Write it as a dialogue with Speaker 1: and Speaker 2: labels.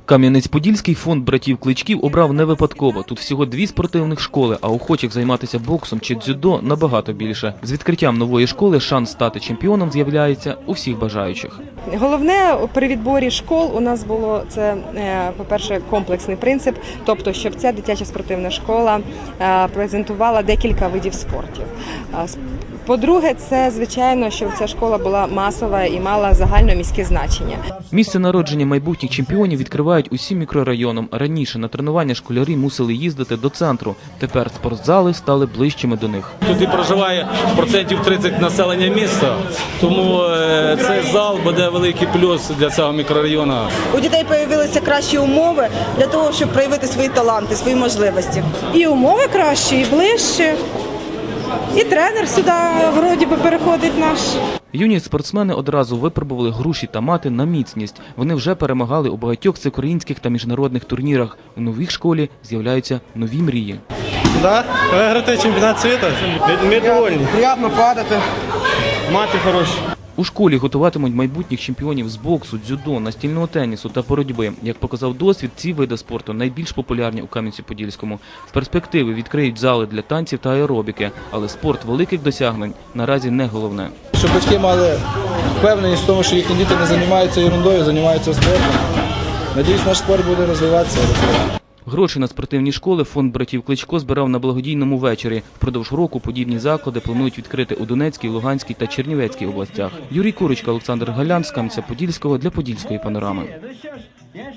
Speaker 1: Кам'янець-Подільський фонд братів Кличків обрав не випадково. Тут всього 2 спортивних школи, а охочих займатися боксом чи дзюдо набагато більше. З відкриттям нової школи шанс стати чемпіоном з'являється у всіх бажаючих.
Speaker 2: Головне при відборі школ у нас було це, по-перше, комплексний принцип, тобто, щоб ця дитяча спортивна школа презентувала декілька видів спортів. По-друге, це, звичайно, щоб ця школа була масова і мала загальноміське значення.
Speaker 1: Місце народження майбутніх чемпіонів відкривають усім мікрорайонам. Раніше на тренування школярі мусили їздити до центру. Тепер спортзали стали ближчими до них.
Speaker 3: Тут і проживає 30% населення міста, тому цей зал буде великий плюс для цього мікрорайону.
Speaker 4: У дітей з'явилися кращі умови для того, щоб проявити свої таланти, свої можливості.
Speaker 5: І умови кращі, і ближче. І тренер сюди, вроді би, переходить наш.
Speaker 1: Юні спортсмени одразу випробували груші та мати на міцність. Вони вже перемагали у багатьох всеукраїнських та міжнародних турнірах. У новій школі з'являються нові мрії.
Speaker 6: Так, виграти чемпіонат світу. Ми довольні.
Speaker 7: Приємно падати.
Speaker 6: Мати хороші.
Speaker 1: У школі готуватимуть майбутніх чемпіонів з боксу, дзюдо, настільного тенісу та боротьби. Як показав досвід, ці види спорту найбільш популярні у Кам'янці-Подільському. З перспективи відкриють зали для танців та аеробіки, але спорт великих досягнень наразі не головне.
Speaker 7: Щоб батьки мали впевненість в тому, що їхні діти не займаються ерундою, займаються спортом. Надіюсь, наш спорт буде розвиватися.
Speaker 1: Гроші на спортивні школи фонд братів Кличко збирав на благодійному вечорі. Впродовж року подібні заклади планують відкрити у Донецькій, Луганській та Чернівецькій областях. Юрій Курочка, Олександр Галян з Кам'янця-Подільського для Подільської панорами.